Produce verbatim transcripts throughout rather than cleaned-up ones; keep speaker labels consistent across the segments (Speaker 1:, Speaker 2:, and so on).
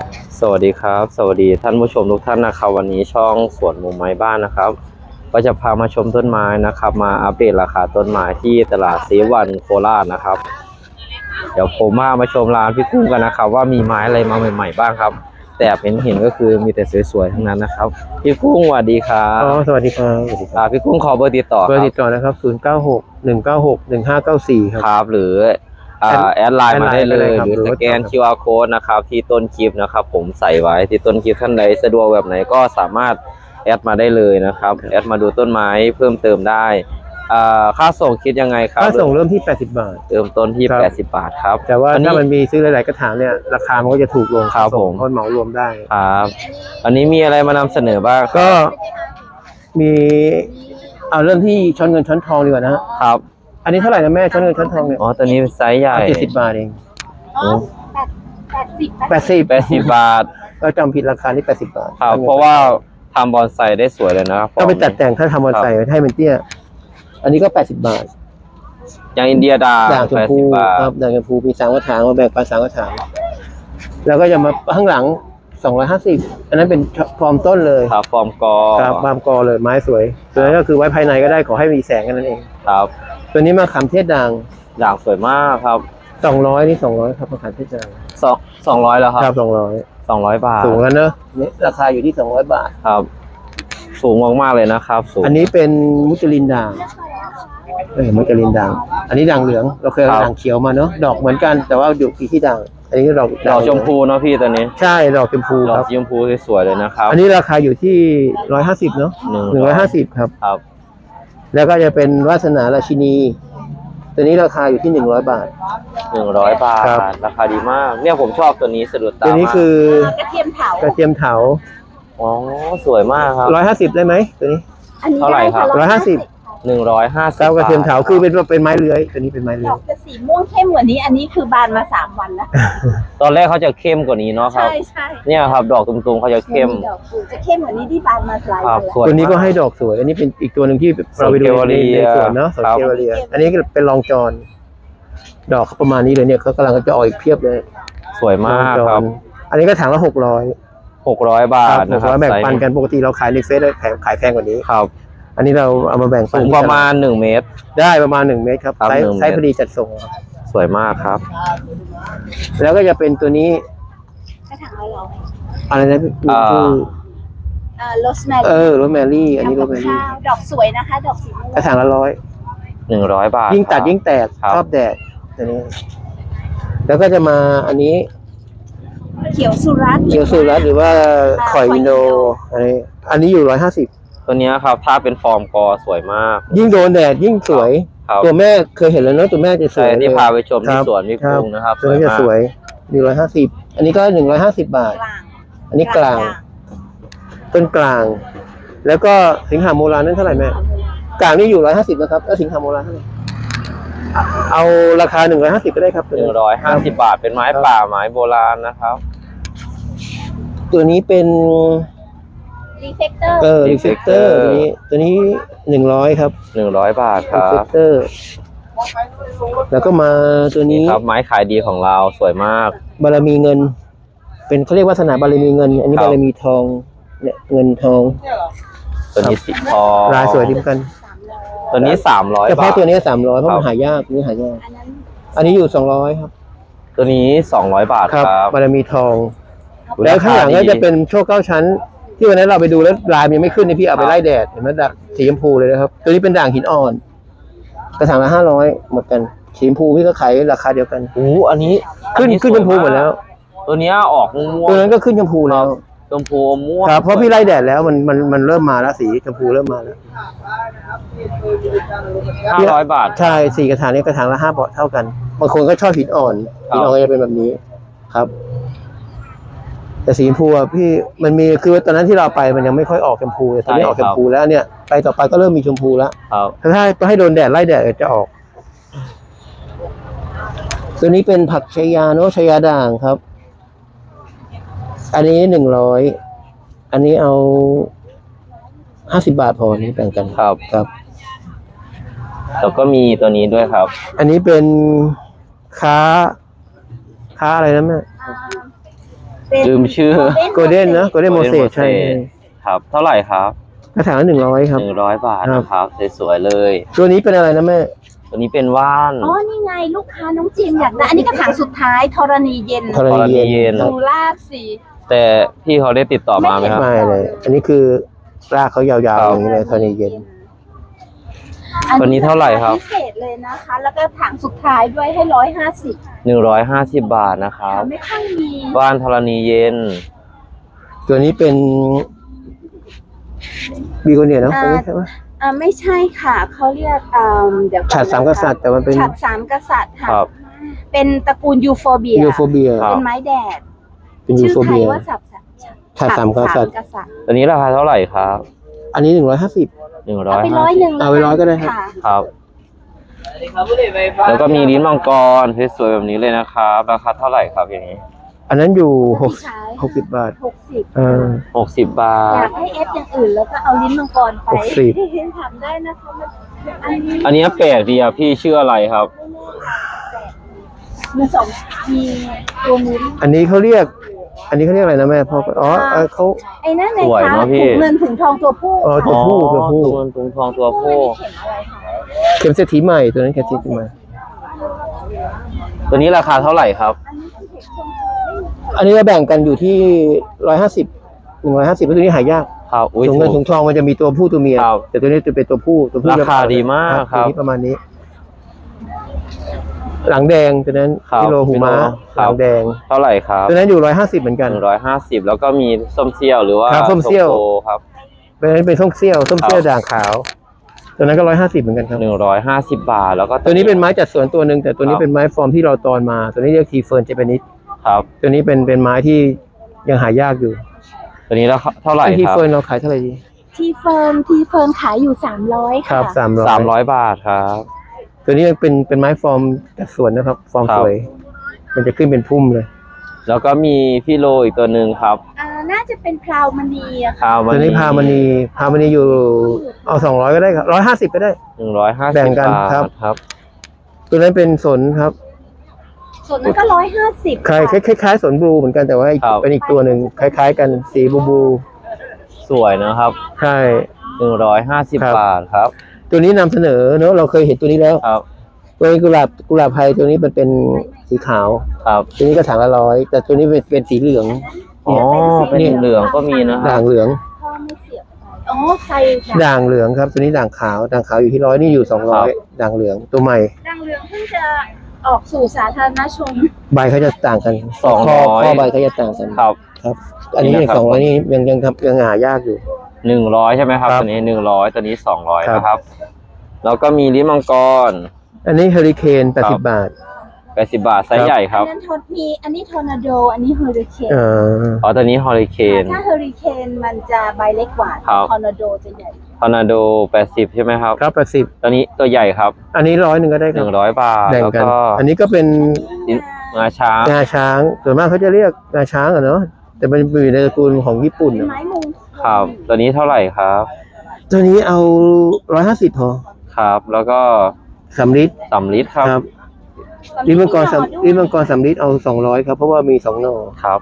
Speaker 1: สวัสดีครับสวัสดีท่านผู้ชมทุกท่านนะครับวันนี้ช่องสวนมุมไม้บ้านนะครับก็จะพามาชมต้นไม้นะครับมาอัปเดตราคาต้นไม้ที่ตลาดซีวันโคราชนะครับเดี๋ยวผมมามาชมร้านพี่กุ้งกันนะครับว่ามีไม้อะไรมาใหม่ๆบ้างครับแต่เห็นเห็นก็คือมีแต่สวยๆทั้งนั้นนะครับพี่กุ้งสวัสดีครับ
Speaker 2: อ๋อสวัสดีครับ
Speaker 1: อ่าพี่กุ้งขอเบอร์ติดต่อ
Speaker 2: เบอร์ติดต่อนะครับศูนย์เก้าหกหนึ่งเก้าหกหนึ่งห้าเก้าสี่ครับ
Speaker 1: ครับหรือแอดไลน์มาได้เลยหรือสแกน คิว อาร์ Code นะครับที่ต้นคลิปนะครับผมใส่ไว้ที่ต้นคลิปท่านใดสะดวกแบบไหนก็สามารถแอดมาได้เลยนะครับแอดมาดูต้นไม้เพิ่มเติมได้ค่าส่งคิดยังไงครับ
Speaker 2: ค่าส่งเริ่มที่แปดสิบบาท
Speaker 1: เริ่มต้นที่แปดสิบบาทครับ
Speaker 2: แต่ว่าถ้ามันมีซื้อหลายๆกระถางเนี่ยราคามันก็จะถูกลง
Speaker 1: ครับผม
Speaker 2: เพราะเหมารวมได้
Speaker 1: ครับอันนี้มีอะไรมานำเสนอบ้าง
Speaker 2: ก็มีเอาเริ่มที่ช้อนเงินช้อนทองดีกว่านะครับอันนี้เท่าไหร่นะแม่ช้อนเงินช้อนทองเนี่ย
Speaker 1: อ๋อตัวนี้เป็นไซส์ใหญ่
Speaker 2: เจ็ดสิบบาทเอง
Speaker 3: อ๋อแปดสิบ
Speaker 2: แปดสิบ
Speaker 1: แปดสิบบาท
Speaker 2: ก็จำผิดราคานี่แปดสิบบาท
Speaker 1: ครับเพราะว่าทำบอนไซได้สวยเลยนะครับ
Speaker 2: ก็ไปตัดแต่งถ้าทำบอนไซให้มันเตี้ยอันนี้ก็แปดสิบบาท
Speaker 1: อย่างอินเดียดา
Speaker 2: ด่างชมพูครับด่างชมพูมีสามกระถางมาแบ่งปันสามกระถางแล้วก็จะมาข้างหลังสองร้อยห้าสิบอันนั้นเป็นฟอร์มต้นเลย
Speaker 1: ครับฟอร์มกอ
Speaker 2: ครับฟอร์มกอเลยไม้สวยตัวนี้ก็คือไว้ภายในก็ได้ขอให้มีแสงกันนั่นเอง
Speaker 1: ครับ
Speaker 2: ตัวนี้มาขามเทศด่าง
Speaker 1: ด่างสวยมากครับ
Speaker 2: สองร้อยนี่สองร้อยครับมาขามเทศด่าง
Speaker 1: สองสองร้อยแล้วครับ
Speaker 2: ครับสองร้อย
Speaker 1: สองร้อยบาท
Speaker 2: สูงแล้วเนอะนี่ราคาอยู่ที่สองร้อยบาท
Speaker 1: ครับสูงมากๆเลยนะครับสูง
Speaker 2: อันนี้เป็นมุจลินด่างเออมุจลินด่างอันนี้ด่างเหลืองเราเคยเอาด่างเขียวมาเนอะดอกเหมือนกันแต่ว่าอยู่ที่ด่างอันนี้ดอก
Speaker 1: ดอกชมพูเนาะพี่ตัวนี้
Speaker 2: ใช่ดอกชมพู
Speaker 1: ดอกชมพูสวยเลยนะครับ
Speaker 2: อันนี้ราคาอยู่ที่ร้อยห้าสิบเนาะหนึ่งร้อยห้าสิบครับ
Speaker 1: ครับ
Speaker 2: แล้วก็จะเป็นวาสนาราชินีตัวนี้ราคาอยู่ที่หนึ่งร้อยบาท
Speaker 1: หนึ่งร้อยบาทราคาดีมากเนี่ยผมชอบตัวนี้สะดุดตา
Speaker 2: ตัวนี้คือก
Speaker 3: ระเทียมเถาก
Speaker 2: ระเทียมเถา
Speaker 1: อ๋อสวยมากครับ
Speaker 2: ร้อยห้าสิบได้ไหมตัวนี้
Speaker 1: เท่าไหร่ครับ
Speaker 2: ร้อยห้าสิบ
Speaker 1: หนึ่งร้อยห้าสิบ
Speaker 2: กระเทียมเถาคือเป็นเป็นไม้เลื้อยตัวนี้เป็นไม้เลื้อย
Speaker 3: จะสีม่วงเข้มกว่านี้อันนี้คือบานมาสามวันแล้ว
Speaker 1: ตอนแรกเขาจะเข้มกว่านี้เนาะครับ
Speaker 3: ใช่ใช่
Speaker 1: เนี่ยครับดอกตุ่มๆเขาจะเข้ม
Speaker 3: จะเข้มกว่านี้ที่บานมาหลายวัน
Speaker 2: แล้วตัวนี้ก็ให้ดอกสวยอันนี้เป็นอีกตัวหนึ่งที่เราไปดูในสวนเนาะสวนเกวเรียอันนี้เป็นรองจรดอกประมาณนี้เลยเนี่ยเขากำลังจะออกอีกเพียบเลย
Speaker 1: สวยมากครับ
Speaker 2: อันนี้ก็ถังละหกร้อย
Speaker 1: หกร้อยบาทนะครับ
Speaker 2: แบ่งปันกันปกติเราขายในเฟซแพงขายแพงกว่านี้
Speaker 1: ครับ
Speaker 2: อันนี้เราเอามาแบ่งปัน
Speaker 1: สูงประมาณหนึ่งเมตร
Speaker 2: ได้ประมาณหนึ่งเมตรครับไซส์ไซส์พอดีจัดส่ง
Speaker 1: สวยมากครับ
Speaker 2: แล้วก็จะเป็นตัวนี้
Speaker 3: กระถางละร้อย
Speaker 2: อะไรนะพี่คือ
Speaker 3: โรสแมรี่
Speaker 2: เออโรสแมรี่อันนี้โรสแมรี่
Speaker 3: ดอกสวยนะคะดอกสีม่วง
Speaker 2: กระถางละร้อย
Speaker 1: หนึ่งร้อยบาท
Speaker 2: ยิ่งตัดยิ่งแตกชอบแดดตัวนี้แล้วก็จะมาอันนี้
Speaker 3: เขียวสุรัตน์
Speaker 2: เขียวสุรัตน์หรือว่าข่อยอินโดอันนี้อันนี้อยู่ร้อยห้าสิบ
Speaker 1: ตัวนี้ครับถ้าเป็นฟอร์มกอสวยมาก
Speaker 2: ยิ่งโดนแดดยิ่งสวยตัวแม่เคยเห็นแล้วเนาะตัวแม่จะสวย
Speaker 1: ที่พาไปชมที่สวนพี่กุ้งนะครับ
Speaker 2: ตัวนี้จะสวยหนึ่งร้อยห้าสิบอันนี้ก็หนึ่งร้อยห้าสิบบาทอันนี้กลางต้นกลางแล้วก็สิงหาโมรานั้นเท่าไหร่แม่กลางนี่อยู่ร้อยห้าสิบนะครับแล้วสิงหาโมราเท่าไหร่เอาราคาหนึ่งร้อยห้าสิบก็ได้ครับ
Speaker 1: หนึ่งร้อยห้าสิบบาทเป็นไม้ป่าไม้โบราณนะครับ
Speaker 2: ตัวนี้เป็น
Speaker 3: รีเฟกเตอร์
Speaker 2: เออรีเฟกเตอร์ตัวนี้ตัวนี้หนึ่งร้อยครับ
Speaker 1: หนึ่งร้อยบาทครับรีเฟกเตอร์
Speaker 2: แล้วก็มาตัวนี้
Speaker 1: ครับไม้ขายดีของเราสวยมาก
Speaker 2: บารมีเงินเป็นเขาเรียกวาสนาบารมีเงินอันนี้บารมีทองเนี่ยเงินทอง
Speaker 1: ตัวนี้สีทอง
Speaker 2: ลายสวยดีเหมือนกัน
Speaker 1: ตัวนี้สามร้อยบาท
Speaker 2: เฉพาะตัวนี้สามร้อยเพราะมันหายากนี่หายากอันนี้อยู่สองร้อยครับ
Speaker 1: ตัวนี้สองร้อยบาทครับ
Speaker 2: บารมีทองแล้วข้างหลังก็จะเป็นโชคเก้าชั้นที่วันนั้นเราไปดูแล้วลายมันไม่ขึ้นนี่พี่เอาไปไล่แดดเห็นไหมด่างสีชมพูเลยนะครับตัวนี้เป็นด่างหินอ่อนกระถางละห้าร้อยหมดกันสีชมพูพี่ก็ขายราคาเดียวกัน
Speaker 1: โอ้อันนี้
Speaker 2: ขึ้นขึ้นชมพูหมดแล้ว
Speaker 1: ตัวนี้ออกม่วง
Speaker 2: ตัวนั้นก็ขึ้นชมพูแล้ว
Speaker 1: ชมพูม่วง
Speaker 2: ครับเพราะพี่ไล่แดดแล้วมันมันมันเริ่มมาแล้วสีชมพูเริ่มมาแล้ว
Speaker 1: ห้าร้อยบาท
Speaker 2: ใช่สี่กระถางนี้กระถางละห้าบาทเท่ากันบางคนก็ชอบหินอ่อนหินอ่อนก็จะเป็นแบบนี้ครับแต่สีชมพูอ่ะพี่มันมีคือตอนนั้นที่เราไปมันยังไม่ค่อยออกชมพูแต่ตอนนี้ออกชมพูแล้วเนี่ยไปต่อไปก็เริ่มมีชมพูแล้วถ้าถ้าให้โดนแดดไล่แดดจะออกตัวนี้เป็นผักชายาเนาะชายาด่างครับอันนี้หนึ่งร้อยอันนี้เอาห้าสิบบาทพอนี้แบ่งกัน
Speaker 1: ครับ
Speaker 2: ครับ
Speaker 1: แล้วก็มีตัวนี้ด้วยครับ
Speaker 2: อันนี้เป็นค้าค้าอะไรนะแม่
Speaker 3: เป็น
Speaker 1: ลืมชื่อ
Speaker 2: โกลเด้นนะโกลเด้นโมเสสใช่
Speaker 1: ครับ เท่าไหร่ครับ
Speaker 2: กระถางละหนึ่งร้อยครับ
Speaker 1: หนึ่งร้อยบาท
Speaker 2: ครับ
Speaker 1: นะครับสวยๆเลย
Speaker 2: ตัวนี้เป็นอะไรนะแม่
Speaker 1: ตัวนี้เป็นว่าน
Speaker 3: อ๋อ นี่ไงลูกค้าน้องจิมอยากได้ อันนี้กระถางสุดท้ายธรณีเย็น
Speaker 2: ธรณีเย็น
Speaker 1: ธรณีเย็น
Speaker 2: ครับ
Speaker 3: ดูลากสี
Speaker 1: แต่พี่เขาได้ติดต่อมาไหมครับ
Speaker 2: ไม่เลย อันนี้คือรากเขายาวๆอย่างนี้เลยธรณีเย็น
Speaker 1: ตัวนี้เท่าไหร่ครับ
Speaker 3: พิเศษเลยนะคะ แล้วก็ถังสุดท้ายด้วยให้ร้อยห้าสิบ
Speaker 1: หนึ่งร้อยห้าสิบบาทนะครับ
Speaker 3: ไม่ค่อยมี
Speaker 1: ว่านธรณีเย็น
Speaker 2: ตัวนี้เป็นบีโกเนียเนาะตัวนี้ใช่ไหม
Speaker 3: อ่าไม่ใช่ค่ะ เขาเรียกอ่าเดี๋ยวก่อน
Speaker 2: ฉัตรสามกษัตริย์แต่มันเป็น
Speaker 3: ฉัตรสามกษัตริย์ค่ะ
Speaker 1: ครับ
Speaker 3: เป็นตระกูลยูโฟเบีย
Speaker 2: ยูโฟเบีย
Speaker 1: ครับ
Speaker 3: เป็นไม้แดด
Speaker 2: เป็นยู
Speaker 3: ชื่อ
Speaker 2: โฟ
Speaker 3: ไท
Speaker 2: เบี
Speaker 3: ย
Speaker 2: ย
Speaker 3: ว่าสับ
Speaker 2: ฉัตรสามกษัตริย์
Speaker 3: กษัตริย์
Speaker 1: ตัวนี้ราคาเท่าไหร่ครับ
Speaker 2: อันนี้หนึ่งร้อยห้าสิบ
Speaker 1: หนึ่งร้อ
Speaker 3: เอา
Speaker 1: ย
Speaker 3: ไป
Speaker 1: ห้า
Speaker 3: ร้อย
Speaker 1: สิ
Speaker 3: ห
Speaker 1: บ
Speaker 3: นึ่ง
Speaker 2: เอาไปร้อยก็ได้ครับ
Speaker 3: ค่ะ
Speaker 1: ครับ แล้วก็มีลิ้นมังกรสวยๆแบบนี้เลยนะครับ ราคาเท่าไหร่ครับอย่างนี้
Speaker 2: อันนั้นอยู่หกหกสิบบาท
Speaker 3: หกสิบ
Speaker 2: เออ
Speaker 1: หกสิบบา
Speaker 3: อ
Speaker 1: ท
Speaker 3: ยากให้เอฟอย่างอื่นแล้วก็เอาลิ้นมังกรไป
Speaker 2: หกสิบ
Speaker 3: ทำได้นะคะมันอันนี้
Speaker 1: อันนี้แปลกดีอ่ะพี่ชื่ออะไรครับ
Speaker 3: มีสองมีตัวมูล
Speaker 2: อันนี้เขาเรียก อันนี้เขาเรียกอะไรนะแม่พ่ออ๋อเออเขา
Speaker 3: ไอ้นั่นเลย
Speaker 1: สวย
Speaker 3: ค่ะ
Speaker 1: เนอะพี่
Speaker 3: ถุงเงินถุงทองตัวผู้
Speaker 2: เออตัวผู้ตัวผู้
Speaker 1: ตัวตุงทองตัวผู้
Speaker 3: เข็มอะไรคะ
Speaker 2: เข็มเศรษฐีใหม่ตัวนั้นเข็มเศรษฐีใหม่
Speaker 1: ตัวนี้ราคาเท่าไหร่ครับ
Speaker 3: อันนี้คือเข็มทอง
Speaker 2: อันนี้เราแบ่งกันอยู่ที่ร้อยห้าสิบหนึ่งร้อยห้าสิบตัวนี้หายาก
Speaker 1: ครับอุ้ย
Speaker 2: ถุงเงิน
Speaker 1: ถู
Speaker 2: ถุ
Speaker 1: ก
Speaker 2: งทองมันจะมีตัวผู้ตัวเมีย
Speaker 1: ครับ
Speaker 2: แต่ตัวนี้จะเป็นตัวผู้ตัวผู้
Speaker 1: ราคาดีมากครับ
Speaker 2: ตัวนี้ประมาณนี้ หลังแดงตัวนั้น
Speaker 1: ครับ
Speaker 2: กิโลหูม้า
Speaker 1: ครั
Speaker 2: ห
Speaker 1: บ
Speaker 2: ลังแดง
Speaker 1: เท่าไหร่ครับ
Speaker 2: ตัวนั้นอยู่ร้อยห้าสิบเหมือนกัน
Speaker 1: หนึ่งร้อยห้าสิบแล้วก็มีส้มเซี่ยวหรือว่า
Speaker 2: ครับส้มเซี่ยว
Speaker 1: โตครับ
Speaker 2: ตัวนั้นเป็นส้มเซี่ยวส้มเซี่ยว
Speaker 1: ครับ
Speaker 2: ด่างขาว ตัวนั้นก็ร้อยห้าสิบเหมือนกันครับ
Speaker 1: หนึ่งร้อยห้าสิบบาทแล้วก็
Speaker 2: ตัวนี้เป็นไม้จัดสวนตัวหนึ่งแต่ตัวนี้
Speaker 1: ครับ
Speaker 2: เป็นไม้ฟอร์มที่เราตอนมา ตัวนี้เรียกทีเฟิร์นเจแปนิส
Speaker 1: ครับ
Speaker 2: ตัวนี้เป็นเป็นไม้ที่ยังหายากอยู่
Speaker 1: ตัวนี้แล้วเท่าไหร่
Speaker 2: ไอ้ที
Speaker 1: ครับ
Speaker 2: เฟิร์นเราขายเท่าไหร่ดี
Speaker 3: ทีเฟิร์นทีเฟิร์นขายอยู่สามร้อย
Speaker 2: ครั
Speaker 3: ค่ะ
Speaker 2: บสามร้อย
Speaker 1: สามร้อยบาทครับ
Speaker 2: ตัวนี้เป็นเป็นไม้ฟอร์มจัดสวนนะครับ ฟอร์ม
Speaker 1: ครับ
Speaker 2: สวย มันจะขึ้นเป็นพุ่มเลย
Speaker 1: แล้วก็มีพี่โลอีกตัวหนึ่งครับ
Speaker 3: อ่าน่าจะเป็นพราวมณีอะค่ะ
Speaker 1: ข้าว
Speaker 2: ตัวนี้พามณีพามณีอยู่เอาสองร้อยก็ได้ครับร้อยห้าสิบก็ได้
Speaker 1: หนึ่งร้อยห้า
Speaker 2: แบ่
Speaker 1: สิบ
Speaker 2: งกัน
Speaker 1: บาท
Speaker 2: ครับ
Speaker 1: ครับ
Speaker 2: ตัวนั้นเป็นสนครับ
Speaker 3: ส่วนนั้นก็ร้อยห้าสิบ
Speaker 2: คล้ายคล้ายคล้ายๆสนบลูเหมือนกันแต่ว่าอีก
Speaker 1: ครับ
Speaker 2: เป็นอีกตัวหนึ่งคล้าย ๆ กันสีบลูบลู
Speaker 1: สวยนะครับ
Speaker 2: ใช่
Speaker 1: หนึ่งร้อยห้าสิบ
Speaker 2: ครับ
Speaker 1: บาทครับ
Speaker 2: ตัวนี้นำเสนอเนอะเราเคยเห็นตัวนี้แล้ว
Speaker 1: ครับ
Speaker 2: ตัวนี้กุหลาบกุหลาบไทยตัวนี้มันเป็นสีขาว
Speaker 1: ครับ
Speaker 2: ตัวนี้ก็ถังละร้อยแต่ตัวนี้เป็นเป็นสีเหลือง
Speaker 1: อ๋อเป็นเหลืองก็มีนะครั
Speaker 2: ด่า
Speaker 1: บ
Speaker 2: งเหลือง
Speaker 3: พ่อไม่เสียบไปอ๋อไฟ
Speaker 2: ด่างเหลืองครับ ตัวนี้ด่างขาวด่างขาวอยู่ที่ร้อยนี่อยู่สองร้อยด่างเหลืองตัวใหม่
Speaker 3: ดังเรืองเพิ่งจะออกสู่สาธารณชน
Speaker 2: ใบเขาจะต่างกัน
Speaker 1: สองร้อย
Speaker 2: ข้ข้อใบเขาจะต่างกัน
Speaker 1: ครับ
Speaker 2: ครับ อันนี้
Speaker 1: นี่นะครับ
Speaker 2: สองร้อยนี่ยังยังทำยังหายากอยู่
Speaker 1: หนึ่งร้อยใช่ไหมครับ
Speaker 2: ครับ
Speaker 1: ตัวนี้หนึ่งร้อยตัวนี้สองร้อย
Speaker 2: ครับ
Speaker 1: นะครับ แล้วก็มีลิ้นมังกร
Speaker 2: อันนี้เฮอริเคนแปด
Speaker 1: ครั
Speaker 2: สิบบ บาท
Speaker 1: แปดสิบบาทไซส์ใหญ่ค
Speaker 3: อั
Speaker 1: รับ
Speaker 3: นนั้นทอมีอันนี้ทอร์นาโด อันนี้เฮอริเคน
Speaker 2: เอ่อ
Speaker 1: อ๋อตัวนี้ฮอริเคน
Speaker 3: ถ้าเฮอริเคนมันจะใบเล็กกว่า
Speaker 1: ครับ
Speaker 3: ทอร์นาโดจะใหญ่
Speaker 1: ทอร์นาโดแปดสิบใช่ไหมครับ
Speaker 2: ครับแปดสิบ
Speaker 1: ตัวนี้ตัวใหญ่ครับ
Speaker 2: อันนี้ร้อยหนึ่งก็ได้ค
Speaker 1: ห
Speaker 2: รับ
Speaker 1: นึ่งร้อยบาท
Speaker 2: แบ่ง
Speaker 1: แล้ว
Speaker 2: กัน
Speaker 1: ก็
Speaker 2: อันนี้ก็เป็น
Speaker 1: ลิ้นงาช้าง
Speaker 2: งาช้างส่วนมากเขาจะเรียกงาช้างอะเนาะแต่มันอยู่ในตระกูลของญี่ปุ่น
Speaker 3: เป็น
Speaker 2: อะ
Speaker 3: ไม้มุง
Speaker 1: ครับ ตัวนี้เท่าไหร่ครับ
Speaker 2: ตัวนี้เอาร้อยห้าสิบพอ
Speaker 1: ครับ แล้วก็
Speaker 2: สำลิด
Speaker 1: สำลิดครับ
Speaker 2: ครับลิ้นมังกรสำลิ้นมังกรสำลิดเอาสองร้อยครับเพราะว่ามีสองหน่อ
Speaker 1: ครับ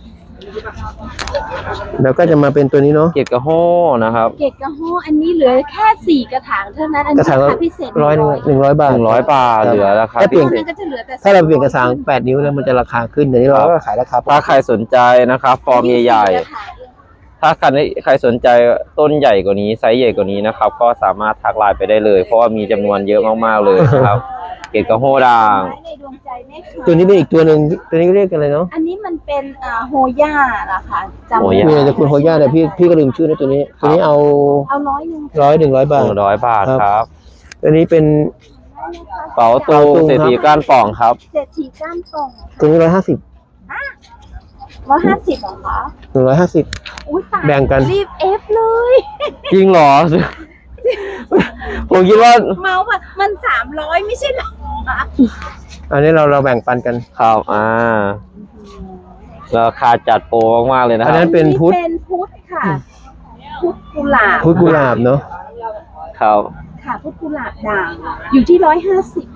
Speaker 2: แล้วก็จะมาเป็นตัวนี้เนาะ
Speaker 1: เกียรติกระโห้นะครับ
Speaker 3: เกตกระโฮอันนี้เหลือแค่สี่กระถางเท่านั้น อัน
Speaker 2: ก
Speaker 3: นี้
Speaker 2: ระถาง
Speaker 3: รา
Speaker 2: ละ
Speaker 3: คาพิเศษ
Speaker 2: ร้อยหนึ่งหนึ่งร้อยบาท
Speaker 1: หนึ่งร้อยบาทเหลือราคา
Speaker 2: ถ้าเป
Speaker 1: พิ
Speaker 2: ลี่ยน
Speaker 1: เศ
Speaker 3: มั
Speaker 1: ษ
Speaker 3: นก็จะเหลือแต่
Speaker 2: ถ้าเราเปลี่ยนกระถางแปดนิ้วแล้วมันจะราคาขึ้นเดี๋ยวนี้เราก็ขายราคาปก
Speaker 1: ถ้า
Speaker 2: ติ
Speaker 1: ใครสนใจนะครับ ฟอร์มใหญ่ๆ ถ้าใครใครสนใจต้นใหญ่กว่านี้ไซส์ใหญ่กว่านี้นะครับ ก็สามารถทักไลน์ไปได้เลย เพราะว่ามีจำนวนเยอะมากๆเลยนะครับ เกียรติกระโห้ด่าง
Speaker 3: ไม้ในดวงใจแม่ค่ะ
Speaker 2: ตัวนี้เป็นอีกตัวหนึ่งตัวนี้เรียกกันอะไรเนาะ
Speaker 3: อันนี้มันเป็นอ่าโฮย่านะคะจำ
Speaker 1: โฮ
Speaker 3: ไม่
Speaker 1: ย่า
Speaker 2: มี
Speaker 3: ได้
Speaker 2: ในตระกูลโฮย่าแต่พี่พี่ก็ลืมชื่อนะตัวนี้ตัวนี้เอา
Speaker 3: เอาร้อยหนึ่ง
Speaker 2: ร้อยหนึ่งร้อยบา
Speaker 1: ห
Speaker 2: ท
Speaker 1: นึ่งร้อยบาทครับ
Speaker 2: ตัวนี้เป็น
Speaker 1: เป๋าตู
Speaker 2: เป๋าตู
Speaker 1: เศรษฐี
Speaker 2: ครับ
Speaker 1: ก้านป่องครับ
Speaker 3: เศรษฐีก้านป่อง
Speaker 2: ตัวนี้ร้อยห้าสิบ
Speaker 3: ร้อยห้าสิบเหรอคะ
Speaker 2: หนึ่งร้อยห้าสิบ
Speaker 3: อุ้ยตาย
Speaker 2: แบ่งกัน
Speaker 3: รีบเอฟเลย
Speaker 1: จริงเหรอ ผมคิดว่า
Speaker 3: เมาส์แบบมันสามร้อยไม่ใช่เหรอ
Speaker 2: อันนี้เราเราแบ่งปันกัน
Speaker 1: ครับอ่าราคาจัดโปรมากๆเลยนะค
Speaker 2: อัน
Speaker 1: รั
Speaker 2: นั้
Speaker 1: บ
Speaker 2: นเป็นพุทธ
Speaker 3: เป็นพุทธค่ะ พุทธกุหลาบ
Speaker 2: พุทธกุหลาบเนาะ
Speaker 1: ครับ
Speaker 3: ค่ะพุทธกุหลาบด่างอยู่ที่ร้อยห้าสิบ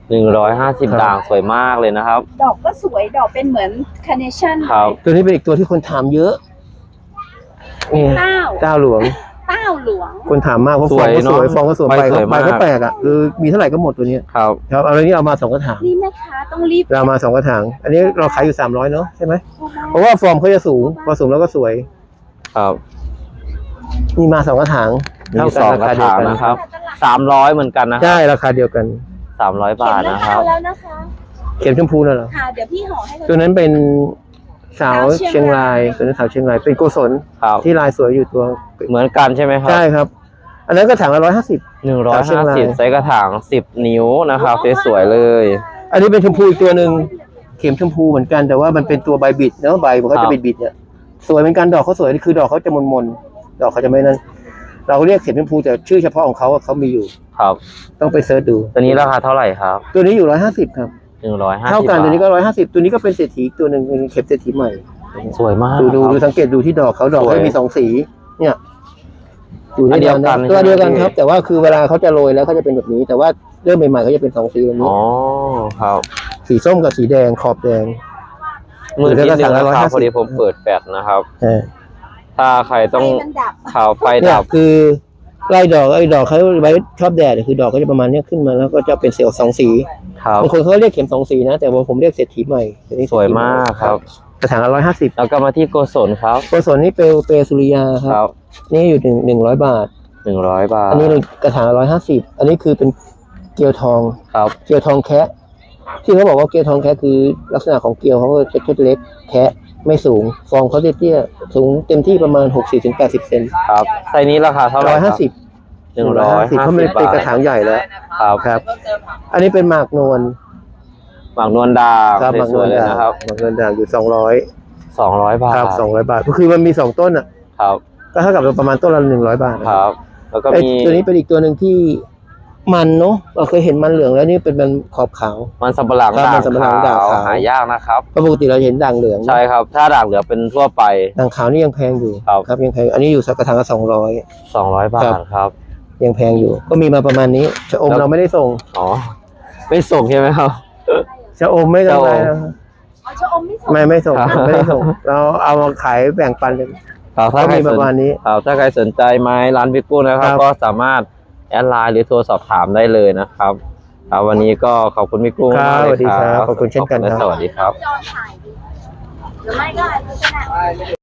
Speaker 1: หนึ่งร้อยห้าสิบ
Speaker 2: ครับ
Speaker 1: ด่างสวยมากเลยนะครับ
Speaker 3: ดอกก็สวยดอกเป็นเหมือนคาร์เนชั่น
Speaker 1: ครับ
Speaker 2: ตัวนี้เป็นอีกตัวที่คนถามเยอะนี่
Speaker 3: เต้า
Speaker 2: เจ้าหลวง
Speaker 3: เต้าหลวง
Speaker 2: คนถามมากเพราะ
Speaker 1: ส
Speaker 2: ฟ
Speaker 1: ว
Speaker 2: อย งก็สวย
Speaker 1: เนอะ
Speaker 2: ฟองก็สวย
Speaker 1: ใบ
Speaker 2: ใบ
Speaker 1: ส
Speaker 2: ก็
Speaker 1: วย
Speaker 2: ใบ
Speaker 1: มาก
Speaker 2: ก็แปลกอ่ะคือมีเท่าไหร่ก็หมดตัวเนี้ย
Speaker 1: ครับ
Speaker 2: ครับเอาเลยนี่เอามาสองกระถาง
Speaker 3: นี่แม่ค้าต้องรีบ
Speaker 2: เรามาสองกระถาง อันนี้เราขายอยู่สามร้อยเนาะใช่ไหมเพราะว่าฟอร์มเขาจะสูงพอสูงแล้วก็สวย
Speaker 1: ครับ
Speaker 2: นี่มาสองกระถาง
Speaker 1: มี
Speaker 2: เท่า
Speaker 1: ส
Speaker 2: กัน
Speaker 1: อง
Speaker 2: ราก
Speaker 1: ระ
Speaker 2: คาเดีย
Speaker 1: ถาว ง
Speaker 2: กัน
Speaker 1: นะครับสามร้อยเหมือนกันนะ
Speaker 2: ใช่ราคาเดียวกัน
Speaker 1: สามร้อย
Speaker 3: เขีย
Speaker 1: บาน ท
Speaker 3: รา
Speaker 1: นะค
Speaker 3: คา
Speaker 1: รับ
Speaker 3: แล้วนะคะ
Speaker 2: เข็มชมพูน่ะเหรอ
Speaker 3: ค่ะเดี๋ยวพี่ห่อให้เลย
Speaker 2: ตัวนั้นเป็นสาวเชียงรายตัวนั้นสาวเชียงรายเป็นโกศล
Speaker 1: ครับ
Speaker 2: ที่ลายสวยอยู่ตัว
Speaker 1: เหมือนกันใช่ไหมครับ
Speaker 2: ใช่ครับ อันนั้นก็ถางละร้อยห้าสิบ
Speaker 1: หนึ่งร้อย
Speaker 2: สาวเชีย
Speaker 1: ห้าง
Speaker 2: ราย
Speaker 1: สิบไซส์กระถางสิบนิ้วนะครับสวยๆเลย
Speaker 2: อันนี้เป็นชมพูอีกตัวหนึ่งเข็มชมพูเหมือนกันแต่ว่ามันเป็นตัวใบบิดเนาะใบมันก็
Speaker 1: ครั
Speaker 2: จะ
Speaker 1: บ
Speaker 2: บิดบิดๆเนี่ยสวยเหมือนกันดอกเขาสวยคือดอกเขาจะมนมนๆดอกเขาจะไม่นั่นเราเรียกเข็มชมพูแต่ชื่อเฉพาะของเขาอะเขามีอยู่
Speaker 1: ครับ
Speaker 2: ต้องไปเสิร์ชดู
Speaker 1: ตัวนี้ราคาเท่าไหร่ครับ
Speaker 2: ตัวนี้อยู่ร้อยห้าสิบครับ
Speaker 1: หนึ่งร้อยห้าสิบ
Speaker 2: เท่ากัน
Speaker 1: บาท
Speaker 2: ตัวนี้ก็ร้อยห้าสิบตัวนี้ก็เป็นเศรษฐีตัวหนึ่งเป็นเข็มเศรษฐีใหม่
Speaker 1: สวยมาก
Speaker 2: ดูดู
Speaker 1: ครับ
Speaker 2: ดูสังเกตดูที่ดอกเขาดอก
Speaker 1: สวย
Speaker 2: เขามีสองสี เนี่ยอยู่
Speaker 1: อันเดี
Speaker 2: เดี
Speaker 1: ย
Speaker 2: ยว ว
Speaker 1: กั
Speaker 2: กัน นตัว
Speaker 1: ใช่ไหม
Speaker 2: เดียวกัน
Speaker 1: พี่
Speaker 2: ครับ แต่ว่าคือเวลาเขาจะโรยแล้วเขาจะเป็นแบบนี้ แต่ว่าเริ่มใหม่ๆเขาจะเป็นสองสีแบบนี้
Speaker 1: อ๋อครับ
Speaker 2: สีส้มกับสีแดงขอบแดง
Speaker 1: มือที่หนึ่ง
Speaker 2: หรือ
Speaker 1: นะ
Speaker 2: ถ้า
Speaker 1: ค
Speaker 2: สั่
Speaker 1: รับ
Speaker 2: งละ
Speaker 1: พอดี
Speaker 2: ร้อยห้าสิบ
Speaker 1: ผมเปิดแฟลชนะครับ
Speaker 2: เออ
Speaker 1: ถ้าใครต้อง
Speaker 3: ไฟมันดับ
Speaker 1: ข่าวไฟ
Speaker 2: เนี่ย
Speaker 1: ดับ
Speaker 2: คือไล่ดอกไอ้ดอกเขาไว้ชอบแดดคือดอกก็จะประมาณเนี้ยขึ้นมาแล้วก็จะเป็นเซลล์สองสี
Speaker 1: ครับ
Speaker 2: บางคนเขาเรียกเข็มสองสีนะ แต่ว่าผมเรียกเศรษฐีใหม่ตัวนี้
Speaker 1: สวยมากครับ
Speaker 2: กระถางละร้อยห้าสิบ
Speaker 1: แล้วก็มาที่โกศลครับ
Speaker 2: ตัวส่วนนี้เปลวเปลวสุริยาค
Speaker 1: ครั
Speaker 2: รับ
Speaker 1: บ
Speaker 2: นี่อยู่หนึ่งหนึ่งร้อยบาท
Speaker 1: หนึ่งร้อยบาท
Speaker 2: อันนี้กระถางละร้อยห้าสิบอันนี้คือเป็นเกลียวทอง
Speaker 1: ครับ
Speaker 2: เกลียวทองแคะที่เขาบอกว่าเกลียวทองแคะคือลักษณะของเกลียวเขาก็จะเล็กแคะไม่สูงฟองเขาเตี้ยๆสูงเต็มที่ประมาณหกสิบถึงแปดสิบเซน
Speaker 1: ครับไซส์นี้ราคาเท่าไหร่
Speaker 2: ร้อย
Speaker 1: ค
Speaker 2: ห้า
Speaker 1: รับ
Speaker 2: สิบ
Speaker 1: หนึ่งร้อยห้า
Speaker 2: เพราะ
Speaker 1: สิ
Speaker 2: มัน
Speaker 1: บ
Speaker 2: เป็น
Speaker 1: บาท
Speaker 2: กระถางใหญ่แล้ว
Speaker 1: ครับ
Speaker 2: ครับ อันนี้เป็นหมากนวล
Speaker 1: หมากนวลดาว
Speaker 2: ครับหมาก
Speaker 1: ส
Speaker 2: น
Speaker 1: ว
Speaker 2: วย ล
Speaker 1: ๆเลย
Speaker 2: ด่าง
Speaker 1: นะครับ
Speaker 2: หมากนวลด่างอยู่สองร้อย
Speaker 1: สองร้อยบาท
Speaker 2: ครับสองร้อยบาทก็คือมันมีสองต้นอ่ะ
Speaker 1: ครับ
Speaker 2: ก็เท่ากับประมาณต้นละหนึ่งร้อยบาท
Speaker 1: ครับ แล้วก็
Speaker 2: ไอ้
Speaker 1: มี
Speaker 2: ตัวนี้เป็นอีกตัวหนึ่งที่มันเนาะเราเคยเห็นมันเหลืองแล้วนี่เป็นมันขอบขาว
Speaker 1: มันสำปะหลัง
Speaker 2: ครับ
Speaker 1: ด่าง
Speaker 2: มันสำปะหลังด่าง
Speaker 1: ขาว
Speaker 2: ขาว
Speaker 1: หายากนะครับ
Speaker 2: เพราะปกติเราเห็นด่างเหลือง
Speaker 1: ใช่ครับ ถ้าด่างเหลืองเป็นทั่วไป
Speaker 2: ด่างขาวนี่ยังแพงอยู่
Speaker 1: ครับ
Speaker 2: ครับยังแพงอันนี้อยู่สักกระถางละสองร้อย
Speaker 1: สองร้อยบา
Speaker 2: ครั
Speaker 1: ท
Speaker 2: บ
Speaker 1: ครับ
Speaker 2: ยังแพงอยู่ ก็มีมาประมาณนี้ชะอม
Speaker 1: แล้ว
Speaker 2: เราไม่ได้ส่ง
Speaker 1: อ๋อ ไม่ส่งใช่ไหมครับ
Speaker 2: ชะอมไม่ต้องไร
Speaker 1: ชะอม
Speaker 2: นะ
Speaker 3: อ๋อชะอมไม่สวย
Speaker 2: ไม่ไม่ส่ง
Speaker 1: ครับ
Speaker 2: ไม่ได้ส่ง เราเอามาขายแบ่งปันกัน
Speaker 1: ครับ
Speaker 2: ก็
Speaker 1: ถ้าใคร
Speaker 2: มี
Speaker 1: ส
Speaker 2: ประ
Speaker 1: น
Speaker 2: มาณนี้
Speaker 1: ครับถ้าใครสนใจไม้ร้านพี่กุ้งนะครับ
Speaker 2: ครับ
Speaker 1: ก็สามารถแอดไลน์หรือโทรสอบถามได้เลยนะครับครับวันนี้ก็ขอบคุณพี่กุ้ง
Speaker 2: ครับ
Speaker 1: มากเลย
Speaker 2: สวัสดี
Speaker 1: ค
Speaker 2: ครั
Speaker 1: รั
Speaker 2: บบ ขอบคุณเช่นกัน
Speaker 1: และ
Speaker 2: ครับ
Speaker 1: สวัสดีครับ
Speaker 3: จอถ่ายดิหรือไม่ก็อันนี้ก็ได้